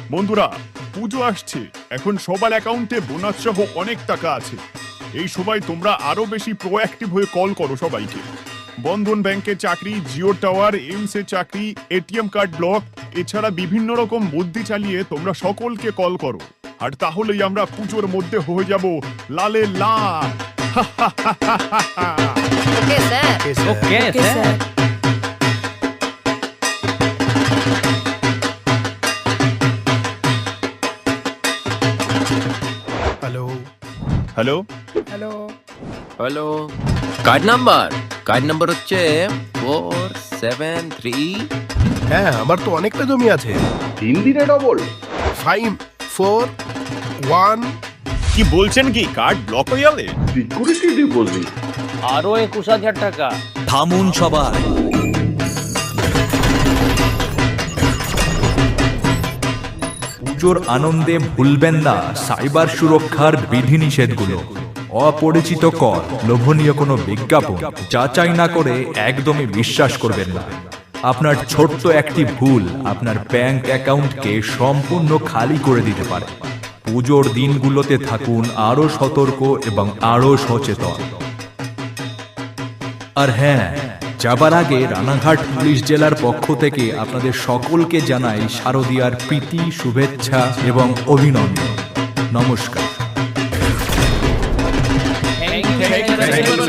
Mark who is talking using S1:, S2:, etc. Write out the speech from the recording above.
S1: বন্ধুরা, পুজো আসছে। এখন সবার অ্যাকাউন্টে বোনাস সহ অনেক টাকা আছে। এই সময় তোমরা আরো বেশি প্রোঅ্যাক্টিভ হয়ে কল করো সবাইকে। বন্ধন ব্যাংকের চাকরি, জিও টাওয়ার, এইমস এর চাকরি, এটিএম কার্ড ব্লক, এছাড়া বিভিন্ন রকম বুদ্ধি চালিয়ে তোমরা সকলকে কল করো। আর তাহলেই আমরা পুজোর মধ্যে হয়ে যাব লালে লাল।
S2: Okay sir.
S3: Okay sir.
S1: Hello
S4: hello
S3: hello. Card number হচ্ছে 473।
S4: হ্যাঁ, আমার তো অনেকটা জমি আছে।
S5: 3 দিনে ডবল।
S4: 5 4 1।
S1: কি বলছেন? কি কার্ড ব্লক হয়ে যাবে?
S5: Security deposit.
S3: আরো 21,000 টাকা।
S6: থামুন সবাই। পুজোর আনন্দে ভুলবেন না সাইবার সুরক্ষার বিধিনিষেধগুলো। অপরিচিত কল, লোভনীয় কোনো বিজ্ঞাপন যাচাই না করে একদমই বিশ্বাস করবেন না। আপনার ছোট্ট একটি ভুল আপনার ব্যাংক অ্যাকাউন্টকে সম্পূর্ণ খালি করে দিতে পারে। পুজোর দিনগুলোতে থাকুন আরো সতর্ক এবং আরো সচেতন। আর হ্যাঁ, যাবার আগে রানাঘাট পুলিশ জেলার পক্ষ থেকে আপনাদের সকলকে জানাই শারদীয়ার প্রীতি, শুভেচ্ছা এবং অভিনন্দন। নমস্কার।
S3: Thank you.